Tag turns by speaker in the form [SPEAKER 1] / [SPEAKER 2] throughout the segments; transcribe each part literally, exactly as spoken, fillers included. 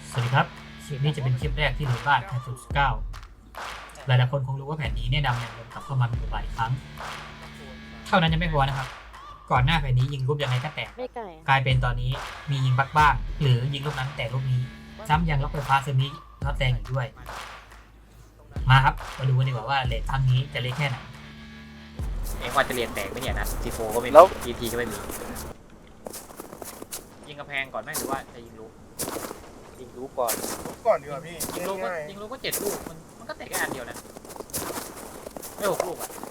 [SPEAKER 1] สวัสดีครับคลิปนี้จะเป็นคลิปแรกที่หมู่บ้านแพทศูนย์เก้าหลายๆคนคงรู้ว่าแผนนี้เนี่ยนำแรงลมกลับเข้ามาเป็นบทบาทอีกครั้งเท่านั้นยังไม่พอนะครับก่อนหน้าแผนนี้ยิงรูปยังไงก็แตก
[SPEAKER 2] ไม่ไก่
[SPEAKER 1] กลายเป็นตอนนี้มียิงบักบ้างหรือยิงลูกนั้นแต่ลูกนี้ซ้ำยังล็อกไฟฟ้าซึมิล็อกแรงอีกด้วยมาครับมาดูกันดีกว่าว่าเลทครั้งนี้จะเล็กแค่ไหน
[SPEAKER 3] เองว่าจะเรียนแตกไหมเนี่ยนะซีโฟก็ไม่มี
[SPEAKER 4] แล้ว
[SPEAKER 3] ทีทีก็ไม่มียิงกระแพงก่อนไหมหรือว่าจะยิงลูก
[SPEAKER 4] ยิงรู้ก่อน
[SPEAKER 5] ก่อนดีกว่าพี่
[SPEAKER 3] ยิงลูกก็
[SPEAKER 5] ง่าย
[SPEAKER 3] ยิงลูกก็เจ็ดลูกมันมันก็แตกแค่อันเดียวนะไม่หกลูกอ่ะ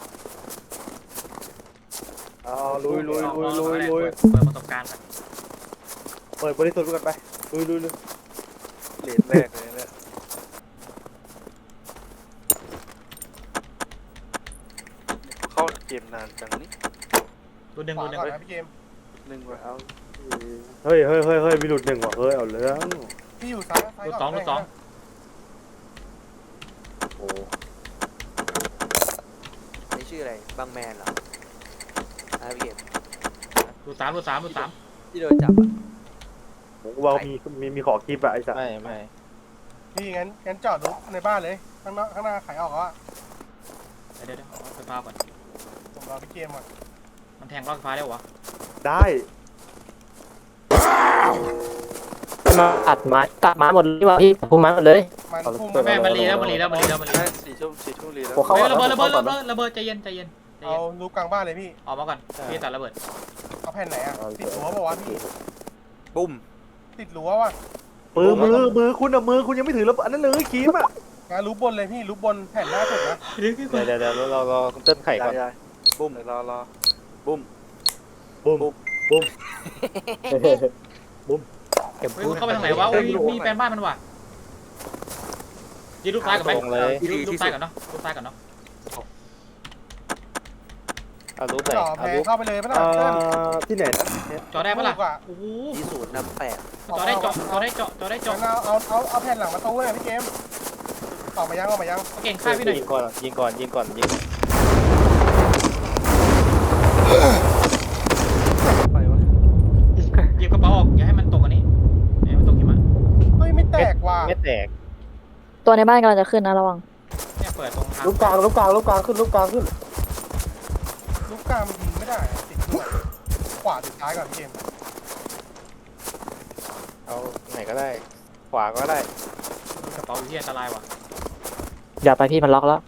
[SPEAKER 4] เอาลุยลุย
[SPEAKER 3] ลอง
[SPEAKER 4] ลุย
[SPEAKER 3] ลอง
[SPEAKER 4] ลุย
[SPEAKER 3] ลอง
[SPEAKER 4] ลุย
[SPEAKER 3] เปิดประสบการณ์ก่อน
[SPEAKER 4] เปิดบริสุทธิ์กันไปลุยลุยลุยเหรียญแรกเลยเนี่ยเข้าเกมนานจังนี่
[SPEAKER 3] ดูหนึ่ง
[SPEAKER 5] ข
[SPEAKER 3] ดู
[SPEAKER 5] วา
[SPEAKER 3] หนึ่ง
[SPEAKER 5] ก่อนนะพี่เกม
[SPEAKER 4] หนึ่งว่ะเอาเฮ้ยเฮ้ยเฮ้ยเฮ้ยมีหลุดหนึ่งว่ะเฮ้ยเอาเรื่อง
[SPEAKER 5] พี่อยู่ซ้ายซ้าย
[SPEAKER 3] ดู
[SPEAKER 5] ก่อน
[SPEAKER 3] สองดูสอง
[SPEAKER 4] โอ้
[SPEAKER 6] นี่ชื่ออะไรบางแมนเหรออ่าพี่เกม
[SPEAKER 3] ดูสามดูสามดูสาม
[SPEAKER 6] ที่โดนจับอ่ะ
[SPEAKER 4] ผมว่ามีมีมีขอคลิปอะไอ้สัส
[SPEAKER 7] ไม่ไม่
[SPEAKER 5] พี่งั้นงั้นจอดรถในบ้านเลยข้างนอกข้างหน้าขายออกแล้วอะ
[SPEAKER 3] เดี๋ยวเดี๋ยวเดี๋ยวเอาไฟฟ้าก่อน
[SPEAKER 5] ผมรอพี่เกมก่อน
[SPEAKER 3] มันแทงรอบไฟฟ้าได้วะ
[SPEAKER 4] ได้
[SPEAKER 7] มาตัดไม้ตัดไม้หมดเลยว่ะพี่พุ่มไม้หมดเลย
[SPEAKER 5] มันพุ่ง
[SPEAKER 3] แม่มันรีแล้วมันรีแล้วมันรีแล้วมันรี
[SPEAKER 4] ได้
[SPEAKER 3] แล้ว
[SPEAKER 4] สี่ชั่วสี่ชั่วรีแล้ว
[SPEAKER 7] ผมเข้า
[SPEAKER 3] เฮ้ย
[SPEAKER 7] ก่อน
[SPEAKER 3] ระเบิดระเบิด
[SPEAKER 7] เข้า
[SPEAKER 3] ระ
[SPEAKER 7] ก่อน
[SPEAKER 3] เบิดระเบิดใจเย็นใจเย็นใจ
[SPEAKER 5] เอา
[SPEAKER 3] เย็น
[SPEAKER 5] รูปกลางบ้านเลยพี่
[SPEAKER 3] ออกมาก่อนพี่ตัดระเบิด
[SPEAKER 5] เอาแผ่นไหนอะติดรั้วป่าวะพี่
[SPEAKER 6] ปุ้ม
[SPEAKER 5] ติดรั้วว่ะ
[SPEAKER 4] มือมือมือคุณอะมือคุณยังไม่ถือแล้วอันนั้นเลยครีมอะ
[SPEAKER 5] งั้นรูปบนเลยพี่รูปบนแผ่นหน้าสุดนะ
[SPEAKER 7] เดี๋ยวเดี๋ยวเดี๋ยวเราเราคุณเติ้ลไข่ก่อน
[SPEAKER 4] ได้บุ้มรอรอบุ้ม
[SPEAKER 7] บุ้ม
[SPEAKER 4] บุ้ม
[SPEAKER 7] เก็บ
[SPEAKER 3] เฮ้ย
[SPEAKER 7] พู
[SPEAKER 3] มั
[SPEAKER 7] ด
[SPEAKER 3] นเข้าไปทางไหนวะโอ้ยมีแปลนบ้านมันว่ะยิงลูกซ้ายก่อนไหม
[SPEAKER 7] ตรงเลย
[SPEAKER 3] ยิงลูกซ้ายก่อนเนาะลูกซ้ายก่อนเนาะ
[SPEAKER 7] เอารูปไหน
[SPEAKER 5] จ่อ
[SPEAKER 7] เอา
[SPEAKER 5] แผ่
[SPEAKER 7] รูป
[SPEAKER 5] เข้าไปเลยไม่ต้อ
[SPEAKER 4] เอ่
[SPEAKER 5] งเติ้ล
[SPEAKER 4] อที่ไหนนะ
[SPEAKER 3] จอได้ปะล่ะ
[SPEAKER 5] ลูกอะ
[SPEAKER 3] โอ้โห
[SPEAKER 6] ที่ศูนย์นำแปด
[SPEAKER 3] จอได้จอจอได้จอจอได้จอ
[SPEAKER 5] งั้นเอาเอาเอาเอาแผ่นหลังประตูเลยพี่เกมออกมายังออกมายัง
[SPEAKER 3] เก่งฆ่าพี่หน่อย
[SPEAKER 7] ยิงก่อนยิงก่อนยิงก่อนยิง
[SPEAKER 4] ไปวะ
[SPEAKER 3] หยิบกระเป๋าออกอย่าให้มันตกอันนี้อย่าให้มันตกหิมะ
[SPEAKER 5] เฮ้ยไม่แตกว่ะ
[SPEAKER 7] ไม่แตก
[SPEAKER 2] ตัวในบ้านกำลังจะขึ้นนะระวัง
[SPEAKER 3] เนี่ยเปิดตรงทาง
[SPEAKER 4] ลูกกลางลูกกลางลูกกลางขึ้นลูกกลางขึ้น
[SPEAKER 5] รูปกลางมันยิงไม่ได้อะติดด้วยขวาติดซ้ายก่อนพี่เกม
[SPEAKER 7] เอาไหนก็ได้ ขวาก็ได้
[SPEAKER 3] กระเป๋าอยู่ที่อันตรายว่ะ
[SPEAKER 2] อย่าไปพี่มันล็อกแล้ว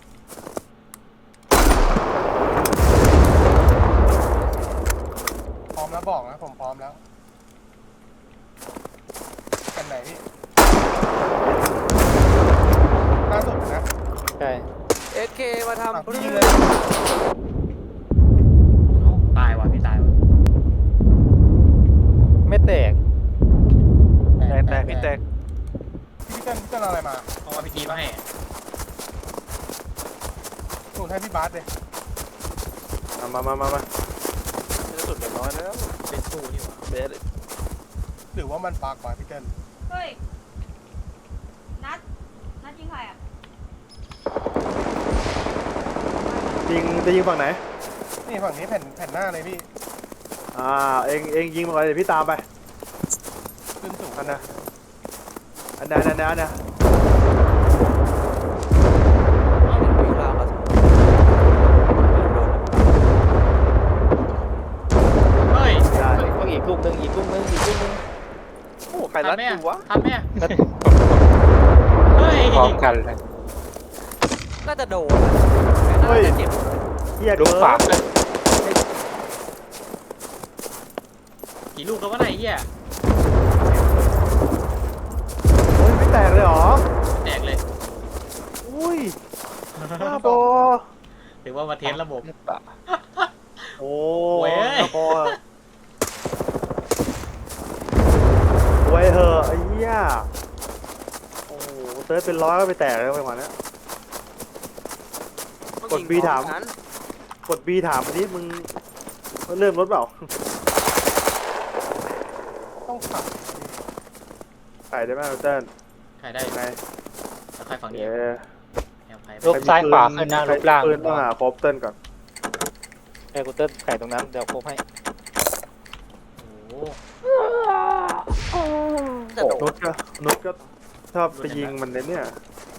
[SPEAKER 5] พร้อมแล้วบอกนะผมพร้อมแล้วแผ่นไหนพี่หน้าสุดนะ
[SPEAKER 7] ใช่
[SPEAKER 6] เอสเคมา
[SPEAKER 5] อ่ะ
[SPEAKER 6] ทำ
[SPEAKER 5] พี่ยิงเลย
[SPEAKER 3] เอ้าตายว่ะพี่ตายว่ะ
[SPEAKER 7] ไม่แตก
[SPEAKER 4] แตกแตกพี่แตก
[SPEAKER 5] พี่เต้นพี่เต้นเอาอะไรมา
[SPEAKER 3] เอาอาร์พีจีมาให้
[SPEAKER 5] หนุนให้พี่บาสเลย
[SPEAKER 4] มามามามามาจะสุดแบบน้อยแล้ว
[SPEAKER 3] เป็นตู้นี่ว่ะ
[SPEAKER 4] เบส
[SPEAKER 5] หรือว่ามันปากกว่าพี่เต้น
[SPEAKER 8] เฮ้ย นัด นัดยิงใครอ่ะ
[SPEAKER 4] ยิงจะยิงฝั่งไหน
[SPEAKER 5] นี่ฝั่งนี้แผ่นแผ่นหน้าเลยพี่
[SPEAKER 4] อ่าเองเองยิงมาก่อนเดี๋ยวพี่ตามไป
[SPEAKER 5] ขึ้นสูง
[SPEAKER 4] อันนะอันนะอันนะอันนะ
[SPEAKER 6] วิ่งราวกระสุนโดน
[SPEAKER 3] เฮ้ย
[SPEAKER 4] ได้
[SPEAKER 7] ต้องอีกลูกนึงอีกลูกนึงอีกลูกนึง
[SPEAKER 4] โอ้ใครรัด
[SPEAKER 3] ทันไหม
[SPEAKER 4] กูวะ
[SPEAKER 3] ทันไหมอะเฮ้ย
[SPEAKER 7] พร้อมกันเลย
[SPEAKER 6] น่าจะโดนอะน่าจะเจ็บ
[SPEAKER 4] เฮีย
[SPEAKER 7] ลูก
[SPEAKER 4] เกิน
[SPEAKER 7] ฝากเลย
[SPEAKER 3] กี่ลูกแล้ววะไหนเหี้ย
[SPEAKER 4] โอ้ยไม่แตกเลยเหรอ
[SPEAKER 3] แตกเลย
[SPEAKER 4] อุ้ยบ้าบอ
[SPEAKER 3] ถือว่ามาเทสระบบ
[SPEAKER 4] โอ้
[SPEAKER 3] เว้ย
[SPEAKER 4] บ้าบอไว้ยเหอะไอ้เหี้ยโอ้โหเซิร์ชเป็นร้อยก็ไปแตกแล้วไปกว่านี้ กด B ถาม
[SPEAKER 6] นั้น
[SPEAKER 4] กด B ถามมาดิมึงเริ่มรถเปล่า
[SPEAKER 5] ต้องขับ
[SPEAKER 4] ขายได้ไหมเติ้ล
[SPEAKER 3] ใครได้
[SPEAKER 4] ไง
[SPEAKER 3] แล้วใครฝั่งนี้
[SPEAKER 4] เย้
[SPEAKER 3] แอมใคร
[SPEAKER 7] ลูกซ้ายขวาขึ้นนะลูกล่าง
[SPEAKER 4] ปืนต้องหาครบเติ้ลก่อน
[SPEAKER 7] ไอ้คุณเติ้ลไข่ตรงนั้นเดี๋ยวครบให้
[SPEAKER 3] โอ้โห
[SPEAKER 6] แต่จะโด
[SPEAKER 4] นุ
[SPEAKER 6] น
[SPEAKER 4] ชก็นุชก็ชอบไปยิงมันเลยเนี่ย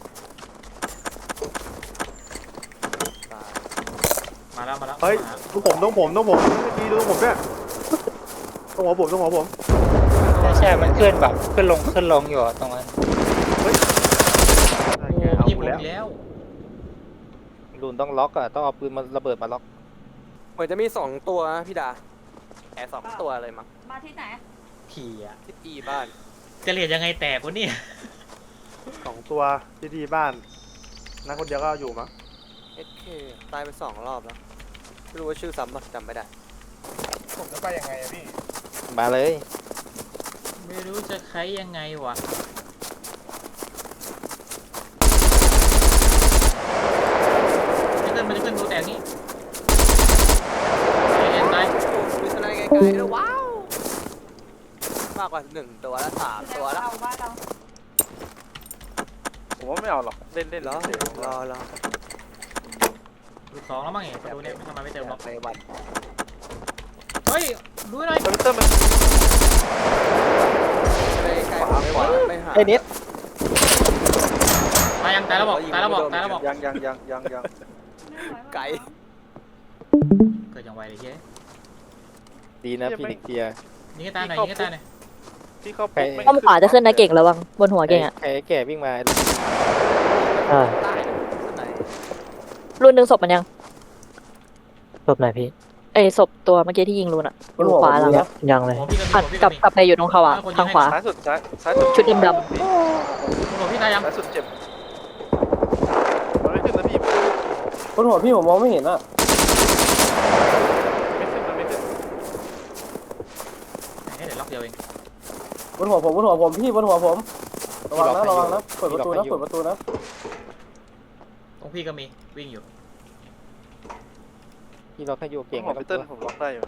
[SPEAKER 3] มาแล้วมาแล้ว
[SPEAKER 4] เฮ้ย
[SPEAKER 3] มาแล้ว
[SPEAKER 4] ต้องผมต้องผมต้องผมดีดูต้องผมด้วยต้องหัวผมต้องหัวผม
[SPEAKER 9] ใช่ใช่มันขึ้นแบบขึ้นลงขึ้นลงอยู่อะตรงนั้น
[SPEAKER 3] โอ้
[SPEAKER 4] เอา
[SPEAKER 3] พี่
[SPEAKER 4] ห
[SPEAKER 3] ผม ม
[SPEAKER 4] ดแล้ว
[SPEAKER 3] อีกแล้ว
[SPEAKER 6] รุนต้องล็อกอ่ะต้องเอาปืนมาระเบิดมาล็อกเหมือนจะมีสองตัวนะพี่ดาแอบสองตัวเลยมั้ง
[SPEAKER 8] มาที่ไหน
[SPEAKER 3] ผีอะ
[SPEAKER 6] ที่อีบ้าน
[SPEAKER 3] จะเรียนยังไงแตกวะเนี่ย
[SPEAKER 4] สองตัวที่ที่บ้านนักคนเดียวก็อยู่มั้ง
[SPEAKER 6] เอสเคตายไปสองรอบแล้วไม่รู้ว่าชื่อซ้ำปะจำไม่ได้
[SPEAKER 5] ผมจะไปยังไงอะพี่
[SPEAKER 6] มาเลย
[SPEAKER 3] ไม่รู้จะใช้ยังไงวะจะขึ้นมันจะขึ้นดูแตกนี่เอ็นตาย
[SPEAKER 6] มีสไนไกลๆด้วยว้าวมากกว่าหนึ่งตัวแล้วสามตัวแล้ว
[SPEAKER 8] เอาบ้านเรา
[SPEAKER 4] ผมว่าไม่เอาหรอกเล่นเล่น
[SPEAKER 6] รอรอรอ
[SPEAKER 3] ดูสองแล้วมั้งเห็นประตูเนี่ยทำไมไม่เติมล็อก
[SPEAKER 6] ไปวัน
[SPEAKER 3] เฮ้ยดูหน่อย
[SPEAKER 4] คอมพิวเตอร์มัน
[SPEAKER 6] ไปใกล้ๆไม่ไหวไม่หา
[SPEAKER 7] ไอ้นิด
[SPEAKER 3] ตายยังตายแล้วบอกตายแล้วบอกตายแล้วบอก
[SPEAKER 4] ยังยังยังยังยัง
[SPEAKER 8] ไม่ไหว
[SPEAKER 6] ไกล
[SPEAKER 3] เกิดอย่างไวเลยเฮ้ย
[SPEAKER 6] ดีนะพี่นิกเทีย
[SPEAKER 3] ยิงให้ตายหน่อยยิงให้ตายหน่อย
[SPEAKER 4] ที่เขา
[SPEAKER 6] ไป
[SPEAKER 4] ปุ๊บ
[SPEAKER 2] ป้อมขวาจะขึ้นนะเก่งระวังบนหัวเก่งอ่ะ
[SPEAKER 6] ใครแก่วิ่งมา
[SPEAKER 2] เออ
[SPEAKER 6] ใต้สไน
[SPEAKER 2] รุ่นหนึ่งศพมันยัง
[SPEAKER 7] ศพไหนพี่
[SPEAKER 2] เอ้ยศพตัวเมื่อกี้ที่ยิงรุ่นอ่ะอยู่ขวาหลังอะ
[SPEAKER 7] ยังเลย
[SPEAKER 3] หัวพี่ก็มี
[SPEAKER 2] ผัด
[SPEAKER 3] หัวพี่
[SPEAKER 2] ก
[SPEAKER 3] ก็
[SPEAKER 2] ลับ
[SPEAKER 3] มี
[SPEAKER 2] กลับไปอยู่ตรงเขาอ่ะทางขวา
[SPEAKER 4] ซ้ายสุดซ้ายซ้ายสุด
[SPEAKER 2] ชุดดำ
[SPEAKER 3] หัวพี่ตายยัง
[SPEAKER 4] ซ้ายสุดเจ็บมันไม่ขึ้นนะพี่
[SPEAKER 7] บนหัวพี่ผมมองไม่เห็นอ่ะ
[SPEAKER 4] ไม่ขึ้นมันไม่ขึ้น
[SPEAKER 3] ให้เดี๋ยวล็อกเดียวเอง
[SPEAKER 7] บนหัวผมบนหัวผมพี่บนหัวผมระวังนะระวังนะเปิดประตูนะเปิดประตูนะ
[SPEAKER 3] ตรงพี่ก็มีวิ่งอยู่
[SPEAKER 6] พี่ล็อกให้อยู่เก่ง
[SPEAKER 4] คอมพิวเตอร์ผมล็อกได้อยู่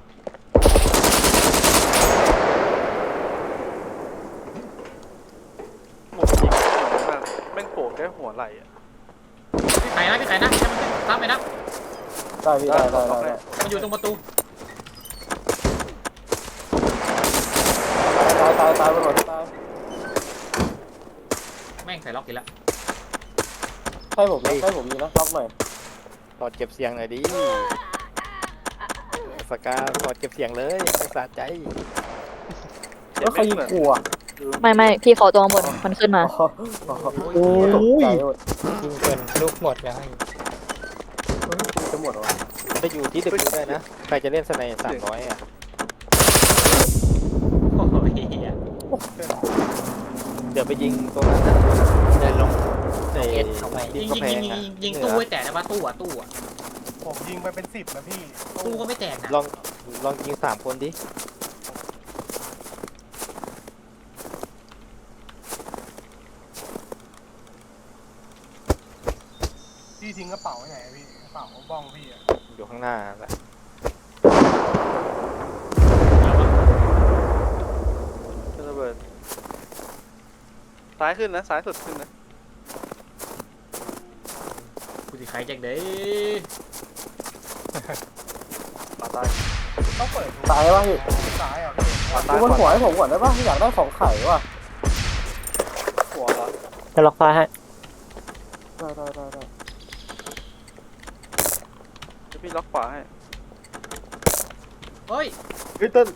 [SPEAKER 4] หมดยิงมากแม่งโผล่แค่หัวไหล่อะ
[SPEAKER 3] พี่ไข่นะพี่ไข่นะให้มันขึ้นซ้ำไปนะ
[SPEAKER 7] ได้พี่ได้ได้ได้
[SPEAKER 3] มันอยู่ตรงประตู
[SPEAKER 7] ตายตายตายบนหัวตาย
[SPEAKER 3] แม่งใส่ล็อกอีกแล้ว
[SPEAKER 7] ใช่ผมนะใช่ผมมีนะล็อกหน่อย
[SPEAKER 6] ถอดเก็บเสียงหน่อยดิสกาถอดเก็บเสียงเลยไม่สะใจ
[SPEAKER 7] แล้วใครยิงกูอ่ะ
[SPEAKER 2] ๆไม่ไม่พี่เขาตัวข้างบนมันขึ้นมา
[SPEAKER 7] โอ้ย
[SPEAKER 9] ยิงเป็นลูกหมดแล้ว
[SPEAKER 7] จะหมดหรอ
[SPEAKER 6] ไปอยู่ที่ดึกได้นะใครจะเล่นสไนสามร้อยอ่ะ
[SPEAKER 3] โอ้ยเหี้ย
[SPEAKER 6] เดี๋ยวไปยิงตรงนั้นนะ
[SPEAKER 9] เดินลง
[SPEAKER 6] ใน
[SPEAKER 9] เอ็ดเข้าไป
[SPEAKER 6] ดิ
[SPEAKER 3] ยิ
[SPEAKER 6] น
[SPEAKER 3] ง
[SPEAKER 6] กำ
[SPEAKER 3] ยิง
[SPEAKER 6] แพ
[SPEAKER 3] ยิ
[SPEAKER 6] ง
[SPEAKER 3] ง
[SPEAKER 6] อ่ะ
[SPEAKER 3] ยิงยิงตู้ไว้แตกนะว่าตู้อ่ะตู้อ่ะ
[SPEAKER 5] ผมยิงไปเป็นสิบนะพี่
[SPEAKER 3] ตู้ก็ไม่แตกนะ
[SPEAKER 6] ลองลองยิงสามคนดิ
[SPEAKER 5] พี่ทิ้งกระเป๋าไว้ไหนอะพี่กระเป๋าบ้องพี่อะ
[SPEAKER 6] อยู่ข้างหน้าแหละ
[SPEAKER 4] ขึ้นระเบิดซ้ายขึ้นนะซ้ายสุดขึ้นนะ
[SPEAKER 3] กูสิใครแจ็คเด้
[SPEAKER 4] ป่าตาย
[SPEAKER 5] ต้องเปิดดู
[SPEAKER 7] ตายป่ะพี่
[SPEAKER 5] ซ้ายอ่ะพี่
[SPEAKER 4] ป่าตา
[SPEAKER 7] ดู
[SPEAKER 4] ย
[SPEAKER 7] บนหัวให้ผมก่อนได้ป่ะอยากได้ของไข่ว่ะ
[SPEAKER 4] หัวเหรอ
[SPEAKER 7] จะล็อกฟ้าให้ได้ได้ได้ได้
[SPEAKER 4] เดี๋ยวพี่ล็อกขวาให้
[SPEAKER 3] เฮ้ย
[SPEAKER 4] เฮ้ยเต้น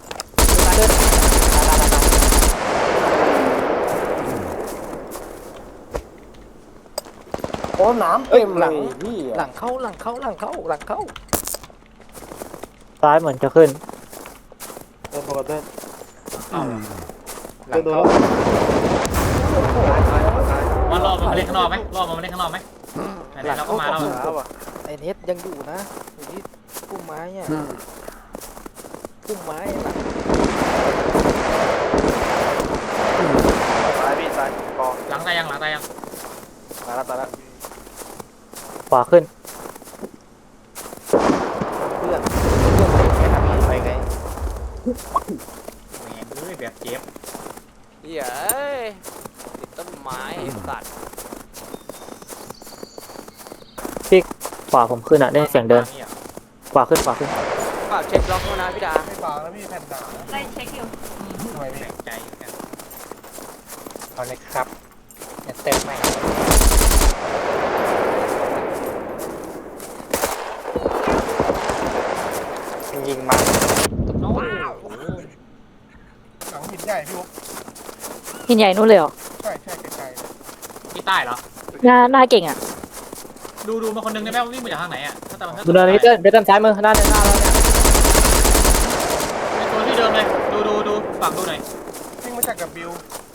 [SPEAKER 7] โอ้น้ำเต็มเลยพี่
[SPEAKER 6] หลังเข้าหลังเข้าหลังเข้าหลังเข้า
[SPEAKER 7] ซ้ายเหมือนจะขึ้น
[SPEAKER 4] เต้นพอเต้น
[SPEAKER 6] หลังเข้า
[SPEAKER 4] ตายตายตาย
[SPEAKER 3] มันรอมันมาเล่นข้างนอกไหมรอมันมาเล่นข้างนอกไหมไหนๆเราก็มาแล้ว
[SPEAKER 4] แล้วอ่ะ
[SPEAKER 6] ไอ้เน็ตยังอยู่นะอยู่ที่พุ่มไม้อ่ะพุ่มไม้หลัง
[SPEAKER 4] ตายพี่ตายกอง
[SPEAKER 3] หลังตายยังหลังตายยัง
[SPEAKER 4] ตายแล้วตายแล้ว
[SPEAKER 7] ขวาขึ้น
[SPEAKER 6] เพื่อนเพื่อนไปแค่ทำนี้ไปไง
[SPEAKER 3] แหมเอ้ยแบบเจ็บ
[SPEAKER 6] เหี้ยติดต้นไม้สัตว์
[SPEAKER 7] ขวาผมขึ้นอ่ะได้เสียงเดินขวาขึ้นขวาขึ้น
[SPEAKER 6] ฝากเช็คล็อกด้วยนะพี่ดา
[SPEAKER 5] ไม่บางแล้วพี่แผ่นหนา
[SPEAKER 8] ไล่เช็คอยู่
[SPEAKER 5] ทำไมพี่
[SPEAKER 3] แปลกใจกัน
[SPEAKER 9] เอาเลยครับอย่าเต็มไหมยิงมา
[SPEAKER 3] โอ้โห
[SPEAKER 5] หลังหินใหญ่พี่บุ๊ก
[SPEAKER 2] หินใหญ่นู่นเลยเหรอ
[SPEAKER 5] ใช่ใช่ไกลๆเลย
[SPEAKER 3] ที่ใต้เหรอ
[SPEAKER 2] หน้าหน้าเก่งอ่ะ
[SPEAKER 3] ดูดูมาคนนึงได้ไหมว่าวิ่งมาจากทางไหนอ่ะถ้าแต่มันถ้า
[SPEAKER 7] ดูเนินพี่เติ้ลพี่เติ้ลซ้ายมือหน้าหน้าเราเนี่ย
[SPEAKER 3] ไอ้ตัวที่เดิมเลยดูดูดูฝั่งดูหน่อย
[SPEAKER 5] วิ่งมาจากกับบิว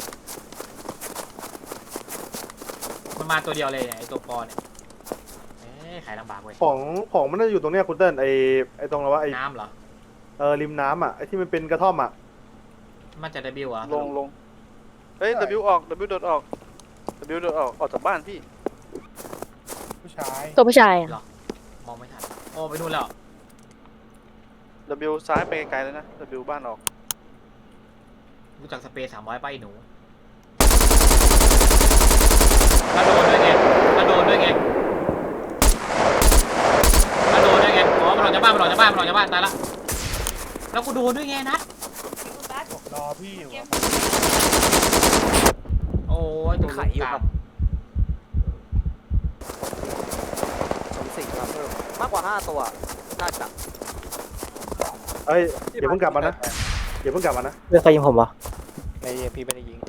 [SPEAKER 3] มันมาตัวเดียวเลยเนี่ยไอ้ตัวปอเนี่ยเอ๊ะขายลำบากเว้ย
[SPEAKER 4] ของของมันน่าจะอยู่ตรงเนี้ยคุณเติ้ลไอไอตรงอะไรวะไอ
[SPEAKER 3] น้ำเหรอ
[SPEAKER 4] เออริมน้ำอ่ะไอที่มันเป็นกระท่อมอ่ะ
[SPEAKER 3] มันจะได้บิวอ่ะ
[SPEAKER 6] ลงลงเฮ้ย W ออก W โดดออก W โดดออกออกจากบ้านพี่
[SPEAKER 5] ผู้ชาย
[SPEAKER 2] ตัวผู้ชายอะ
[SPEAKER 3] มองไม่ทันโอ้ไปนู่นแล้ว
[SPEAKER 6] W ซ้ายไปไกลๆเลยนะ W บ้านออก
[SPEAKER 3] รู้จักสเปรย์สามร้อยป้ายหนูถ้าโดนด้วยไงถ้าโดนด้วยไงถ้าโดนด้วยไงอ๋อมันหลอกจากบ้านมันหลอกจากบ้านมันหลอกจากบ้านตายละแล้วกูโดนด้วยไงนัด
[SPEAKER 8] คุณบัส
[SPEAKER 5] รอพี่อยู่
[SPEAKER 8] เกม
[SPEAKER 5] อะ
[SPEAKER 3] โอ้ยตัว
[SPEAKER 6] ไข่อยู่
[SPEAKER 3] กลา
[SPEAKER 6] ครั
[SPEAKER 3] ง
[SPEAKER 6] บ สมสิ่งมาเพิ่มมากกว่าห้าตัวน่าจะ
[SPEAKER 4] เอ้ยอย่าเพิ่งกลับมานะอย่าเพิ่งกลับมานะ
[SPEAKER 7] เรื่องใครยิงผมวะ
[SPEAKER 6] ในพี่ไม่ได้ยิง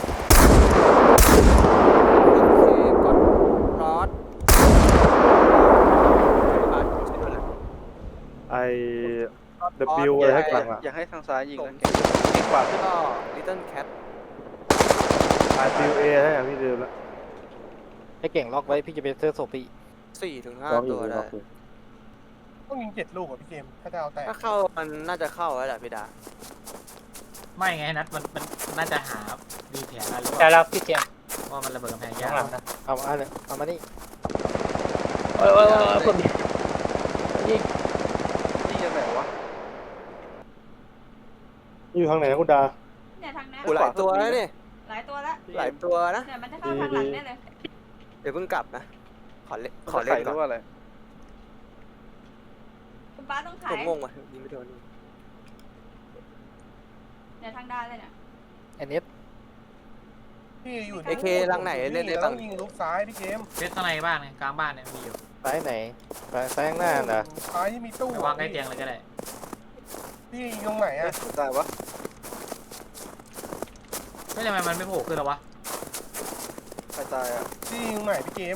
[SPEAKER 3] รอด
[SPEAKER 4] ไอ W อะไรให้กลับอ่ะ
[SPEAKER 6] อย่าให้ทางซ้ายยิงนะเก่งกว่าขึ้นก็ Little Cat
[SPEAKER 4] ไอ W A ให้อ่ะพี่เดิมแล้ว
[SPEAKER 7] ให้เก่งล็อกไว้พี่จะไปเซอร์โซปี
[SPEAKER 6] สี่ถึงห้าตัวได้
[SPEAKER 5] ต้องยิงเจ็ดลูกอ่ะพี่เกมถ้าจะเอาแตก
[SPEAKER 6] ถ้าเข้ามันน่าจะเข้าแล้วแหละพี่ดา
[SPEAKER 3] ไม่ไงนัดมันมันน่าจะหามีแผนอะไรหรือเป
[SPEAKER 9] ได้
[SPEAKER 3] ล่า
[SPEAKER 9] แล้วพี่เจมส์
[SPEAKER 3] ว่ามันระเบิดกำแพง
[SPEAKER 9] ข้าย
[SPEAKER 3] าง
[SPEAKER 9] หลัง
[SPEAKER 3] ก
[SPEAKER 9] นะ
[SPEAKER 7] เอาเอาเลยเอามานี่
[SPEAKER 9] โอ้ยโอ้ยโอ้ยผม
[SPEAKER 6] นี่ยังไงวะ
[SPEAKER 4] อยู่ทางไหนนะคุณดา
[SPEAKER 8] เนี่ยทางนั้น
[SPEAKER 6] กูหลายตัวแล้วนี่
[SPEAKER 8] หลายตัวแล้ว
[SPEAKER 6] หลายตัวนะ
[SPEAKER 8] เนี่ยมันจะเข้าทางหลังแน่เลย
[SPEAKER 6] เดี๋ยวเพิ่งกลับนะ ขอเล่นขอเล่นก่อนอะไร
[SPEAKER 8] คุณบัสต้องขา
[SPEAKER 6] ผ
[SPEAKER 8] ย
[SPEAKER 6] มงงว่ะยิงไม่โดน
[SPEAKER 8] เนี่ยทางด้านเลยเนี่ย
[SPEAKER 7] อันนี้
[SPEAKER 5] พี่อยู่
[SPEAKER 6] เอเคลังไหนเล่นได้
[SPEAKER 5] ต้
[SPEAKER 6] บ้า
[SPEAKER 5] อง งยิงลูกซ้ายพี่เกม
[SPEAKER 3] เฟสข้างในบ้านไงกลางบ้านเนี่ยมีอยู่
[SPEAKER 7] ซ้ายไหนซ้ายซ้ายข้างหน้าเหรอ
[SPEAKER 5] ซ้ายที่มีตู้
[SPEAKER 3] ไปวางใกล้เตียงเลยก็ได้
[SPEAKER 5] พี่ยิงตรงไหนอ่ะ
[SPEAKER 6] ตายวะ
[SPEAKER 3] ไม่ทำไมมันไม่โผล่ขึ้นหรอวะ
[SPEAKER 6] ใครตายอ่ะ
[SPEAKER 5] พี่ยิงตรงไหนพี่เกม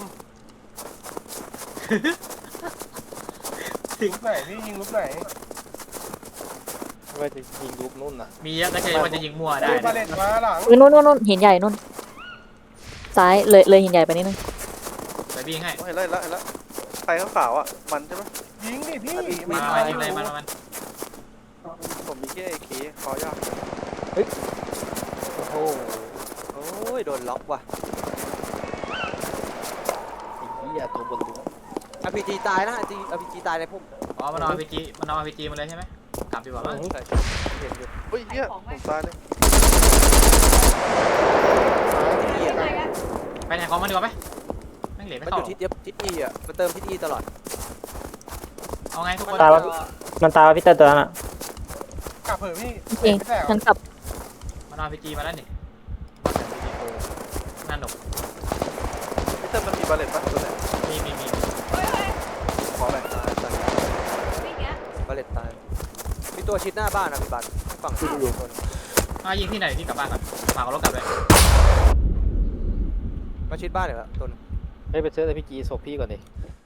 [SPEAKER 5] ลูกไหนพี่ยิงลูกไหน
[SPEAKER 7] ว่าจะยิงลูกนู่นน่ะ
[SPEAKER 3] มีเยอะก็ใช่ว่าจะยิงมั่วได้
[SPEAKER 5] เฮ้ยบาเลตมาหลัง
[SPEAKER 2] อุ้ยนู่นนู่นนู่นหินใหญ่นู่น ซ้ายเลยเลยหินใหญ่ไปนิดนึง
[SPEAKER 3] ไปวิ่งให้
[SPEAKER 6] เห็นแล้วเห็นแล้วเห็นแล้วใครขาวๆอ่ะมันใช่ไหม
[SPEAKER 5] ยิงดิพี่
[SPEAKER 3] มา
[SPEAKER 5] ไ
[SPEAKER 3] มายิงเลยมันมัน
[SPEAKER 6] ผมมีแค่เอเคคอยาก
[SPEAKER 7] โอ้โห
[SPEAKER 6] โอ้ยโดนล็อกว่ะ
[SPEAKER 7] ไอ้เหี้ยตัวบนตัว
[SPEAKER 6] อาร์พีจีตายนะอาร์พีจีตายในพุ่ม
[SPEAKER 3] อ๋อมันเอาพีจีมันเอาพีจีมาเลยใช่ไหมกลับดีกว่ามั้ง
[SPEAKER 6] ใช่เห็นอยู่เฮ้ยเหี้ยผมตายเลย
[SPEAKER 8] ยังไงกัน
[SPEAKER 3] ไปไหนของมันดีกว่าไหมแม่งเหลว
[SPEAKER 6] มั
[SPEAKER 3] ไม่
[SPEAKER 6] นอ
[SPEAKER 3] เข้า
[SPEAKER 6] ยู่ทิศเดียบทิศอีอ่ะมันเติมทิศอีตลอด
[SPEAKER 3] เอาไงทุกคน
[SPEAKER 7] ตายแล้วมันตายพี่เติ้ลตัวนั้นอ่ะ
[SPEAKER 5] กลับเถอะพี่
[SPEAKER 2] จริง
[SPEAKER 5] ไม่แตก
[SPEAKER 2] ฉันกลับ
[SPEAKER 3] มันเอาพีจีมาแล้วนี่นั่นหนุก
[SPEAKER 6] พี่เติ้ลมันมีบาเลตป่ะตัวไหน
[SPEAKER 3] มีมีมี
[SPEAKER 8] เฮ้ยเฮ้ย
[SPEAKER 6] ขอหน่อยตายตาย
[SPEAKER 8] วิ่งเงี้ย
[SPEAKER 6] บาเลตตายมีตัวชิดหน้าบ้านนะพี่บันฝั่งที่อยู่คน
[SPEAKER 3] อ่ะยิงที่ไหนที่กลับบ้านก่อนฝากเอารถกลับเลย
[SPEAKER 6] มาชิดบ้านเหรอตัวนึง
[SPEAKER 7] ให้ไปเซอร์พี่จีศพพี่ก่อนดิ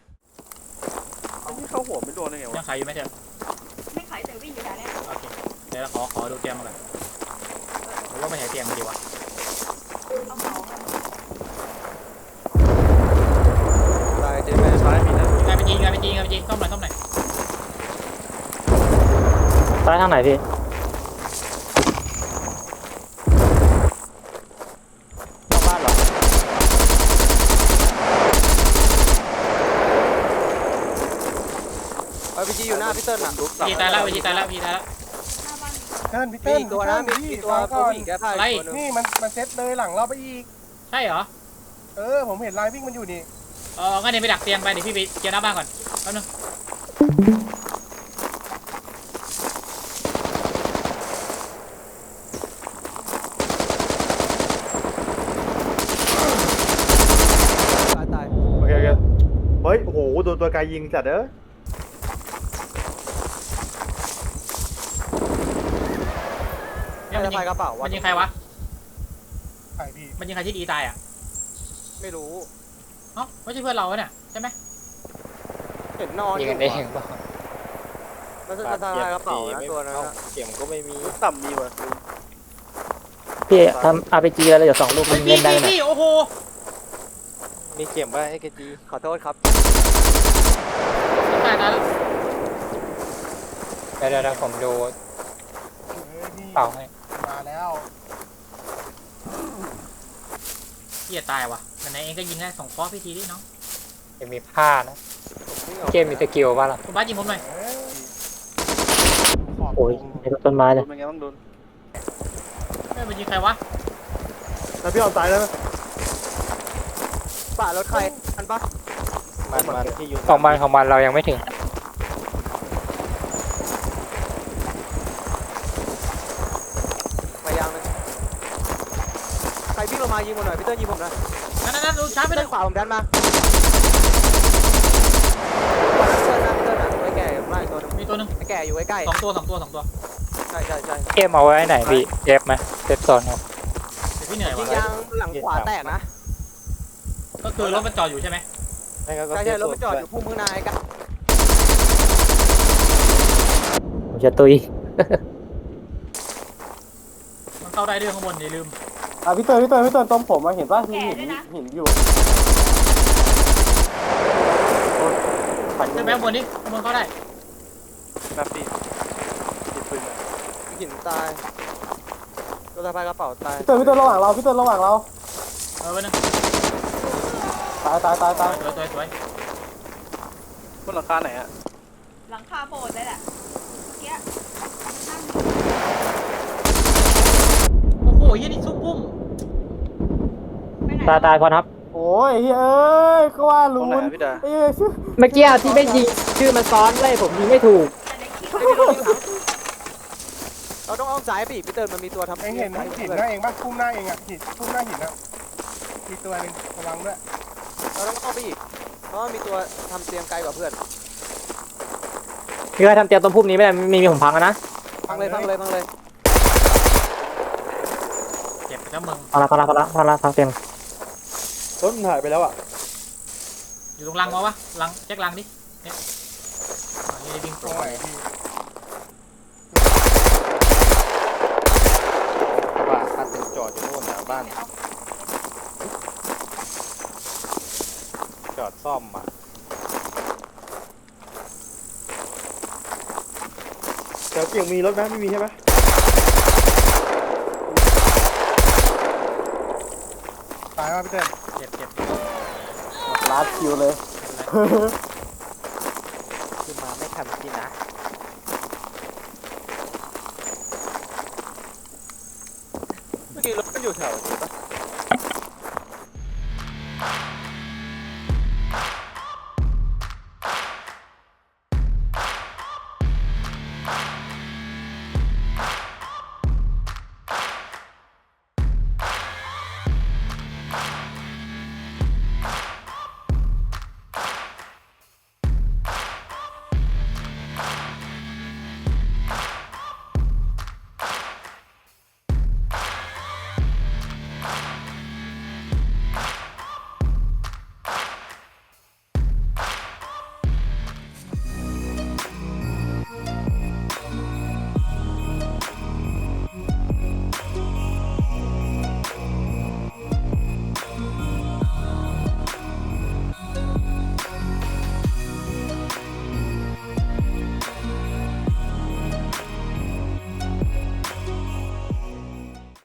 [SPEAKER 6] นี่เข้าหัวไม่โดนได้ไง
[SPEAKER 3] ยั
[SPEAKER 6] วะ
[SPEAKER 3] งขายอยู่ไหมเจ๊
[SPEAKER 8] ไม่ขายแต่วิ่งอยู่แถวเนี้ย
[SPEAKER 3] โอเคเดี๋ยวเราขอขอดูเตียงมาก่อนหรือว่าไปไหนเตียงมาดีวะ
[SPEAKER 8] เอาเหมากัน
[SPEAKER 6] ตายเจแม่ซ้ายมีนะ
[SPEAKER 3] งานพีจีงานพีจีงานพีจีต้มหน่อยต้มหน่อย
[SPEAKER 7] ซ้ายทางไหนพี่นอกบ้านเหรอ
[SPEAKER 6] อาร์พีจีอยู่หน้าพี่เติ้ลอ่ะ
[SPEAKER 3] พีจีตายแล้วพีจีตายแล้วพีจีตายแล้ว
[SPEAKER 8] หน้าบ้านมี
[SPEAKER 5] เติ้ลพี่
[SPEAKER 6] มี
[SPEAKER 5] เติ้ล
[SPEAKER 6] อีกตัวนะมี
[SPEAKER 5] พี่
[SPEAKER 6] อีกตัว
[SPEAKER 5] ฟัง
[SPEAKER 6] ตัว
[SPEAKER 5] ก่อน
[SPEAKER 6] ผู้หญิงแก้ผ้าอีกตัวนึง
[SPEAKER 5] นี่มันมันเซ็ตเลยหลังเราไปอีก
[SPEAKER 3] ใช่เหรอ
[SPEAKER 5] เออผมเห็นลายวิ่งมันอยู่นี่
[SPEAKER 3] เอองั้นเดี๋ยวไปดักเตียงไปเดี๋ยวพี่ไปเกียร์หน้าบ้านก่อนแป๊บนึง
[SPEAKER 4] ตัวตัวไกลยิงจัดเด้อ
[SPEAKER 3] เนี่ย
[SPEAKER 6] ไม่
[SPEAKER 3] มัน
[SPEAKER 6] ได้
[SPEAKER 3] ยิง
[SPEAKER 6] พายกระเป๋า
[SPEAKER 3] มั
[SPEAKER 6] วะ
[SPEAKER 3] นยิงใครวะ
[SPEAKER 5] ใช่พี่
[SPEAKER 3] มันยิงใครที่ดีตายอ่ะ
[SPEAKER 6] ไม่รู้
[SPEAKER 3] เอ้าไม่ใช่เพื่อนเราเนี่ยใช่ไหม
[SPEAKER 6] เห็นนอนอ
[SPEAKER 9] ยิง
[SPEAKER 6] ยู่
[SPEAKER 9] กันเองเปล่า
[SPEAKER 6] มันจะพายกระเป๋านะตัวนั้นอะ
[SPEAKER 4] เข็มก็ไม่มี
[SPEAKER 6] ต่ำมีว่ะ
[SPEAKER 9] พี่ทำอาร์พีจีอะไรเดี๋ยวสองลูก
[SPEAKER 3] เฮ้
[SPEAKER 9] มั
[SPEAKER 3] ย
[SPEAKER 9] น
[SPEAKER 3] พี่
[SPEAKER 9] เล่นได้
[SPEAKER 3] พี่
[SPEAKER 9] ไหม
[SPEAKER 3] พี่โอ้โห
[SPEAKER 6] มีเข็มป่ะไอ้เกจีขอโทษครับ
[SPEAKER 3] ตายตายแล้ว
[SPEAKER 9] เดี๋ยวเดี๋ยวเดี๋ยวผมดู
[SPEAKER 5] เฮ้ยพี่
[SPEAKER 9] เป่าให้
[SPEAKER 5] มาแล้ว
[SPEAKER 3] พี่จะตายว่ะไหนๆเองก็ยิงได้สองคอพี่ทีดิน้อง
[SPEAKER 9] จะมีผ้านะเกมมีสกิลป่ะล่ะ
[SPEAKER 3] คุณบ้าสยิงผมหน่อย
[SPEAKER 5] เฮ้ยขอบ
[SPEAKER 9] โอ้ยในต้นไม้เลย
[SPEAKER 6] เป็นไงบ้างดุน
[SPEAKER 3] เฮ้ยมันยิงใครวะ
[SPEAKER 4] แล้วพี่เอาตายแล้วไหม
[SPEAKER 6] ป่ารถใครอันปะมันมันที่อยู่
[SPEAKER 9] ของมันของมันเรายังไม่ถึง
[SPEAKER 6] พยายามเลยใครวิ่งลงมายิงผมหน่อยพี่เติ้ลยิงผมหน่อย
[SPEAKER 3] นั่นนั่นนั่นดูช้าไป
[SPEAKER 6] พี่
[SPEAKER 3] เล
[SPEAKER 6] เติ้
[SPEAKER 3] ย
[SPEAKER 6] ลขวาผมดันมาพี่เติ้ลนะพี่เติ้ลนะไอ้แก่มากตัวนึง
[SPEAKER 3] มีตัวหนึง
[SPEAKER 6] ไอ้แก่อยู่ใกล้
[SPEAKER 3] สองตัวสองตัวสองตัว
[SPEAKER 6] ๆใช่ใช่ใช่
[SPEAKER 9] เกมเอาไว้ไหนพี่เอฟไหมเซฟโซนเอา
[SPEAKER 3] เดี๋ยวพี่เหนื่อย
[SPEAKER 6] ยิ
[SPEAKER 3] ว่ะ
[SPEAKER 6] งยางหลังขวาแตกนะ
[SPEAKER 3] ก็คือรถมันจอดอยู่ใช่ไหม
[SPEAKER 6] ใช่ใช่รถมันจอดอยู่พุ่มข้างในกัน
[SPEAKER 9] ผมจะตุย
[SPEAKER 3] มันเข้าได้ด้วยข้างบนอย่าลืม
[SPEAKER 7] อ่ะพี่เตยพี่เตยพี่เตยตรงผมมาเห็นป่ะมีหินหินอยู่
[SPEAKER 3] ขึ้นไปข้างบนดิข้างบนเข้าได้
[SPEAKER 6] แบบปีติดปืนหินตายตัวสะพายกระเป๋าตาย
[SPEAKER 7] พี่เตยพี่เตยระหว่างเราพี่เตยระหว่างเรา
[SPEAKER 3] เออไปหนึ่ง
[SPEAKER 7] ตายตายตายตาย
[SPEAKER 3] สวยสวยสวย
[SPEAKER 6] บนหลังคาไหนอะ
[SPEAKER 8] หลังคาโบสถ์เลยแหละเมื่อกี้นั่ง
[SPEAKER 3] โอ้โหยี่นี่ซุปปุ้ม
[SPEAKER 8] ไปไหน
[SPEAKER 9] ตายตายพอครับ
[SPEAKER 7] โอ้ยเฮ้ยก็ว่าลุ้นเอ้ย
[SPEAKER 9] เมื่อกี้ที่ไม่ยิงชื่อมันซ้อนเลยผมยิงไม่ถูก
[SPEAKER 8] แต่ในคลิป
[SPEAKER 6] เราต้องอ้อมซ้ายไปอีกพี่เติ้ลมันมีตัวทำ
[SPEAKER 5] เองเห็นหินหน้าเองปะพุ่มหน้าเองอ่ะหินพุ่มหน้าหินอ่ะมีตัวหนึ่งระวังด้วย
[SPEAKER 6] เราต้องอ้อมไปอีกเพราะว่ามีตัวทำเตียงไกลกว่าเพื่อน
[SPEAKER 9] พี่ว่าทำเตียงต้นพุ่มนี้ไม่ได้มีมีผมพังแล้วนะ
[SPEAKER 6] พังเลยพังเลยพังเลย
[SPEAKER 3] เจ็บไปแล้วมึง
[SPEAKER 9] พังละพังละพังละพังละพังเตียง
[SPEAKER 4] รถมันหายไปแล้วอ่ะ
[SPEAKER 3] อยู่ตรงรังมาวะรังเช็ครังดิเนี่ยอ๋อนี่วิ่ง
[SPEAKER 5] ต
[SPEAKER 3] ต
[SPEAKER 5] ร
[SPEAKER 3] รง ง
[SPEAKER 5] ไห
[SPEAKER 3] ไป
[SPEAKER 5] นพี่
[SPEAKER 6] บ้านคันหนึ่งจอดอยู่โน่นนะบ้านจอดซ่อมอ่ะ
[SPEAKER 4] แถวเกี่ยงมีรถไหมไม่มีใช่ไหม
[SPEAKER 5] ตายว่าพี่เต้น
[SPEAKER 3] เจ็บเจ็บ
[SPEAKER 7] ลาดคิวเลย
[SPEAKER 6] คือมาไม่ทันที่นะเมื่อกี้รถมันอยู่แถวนี้ปะ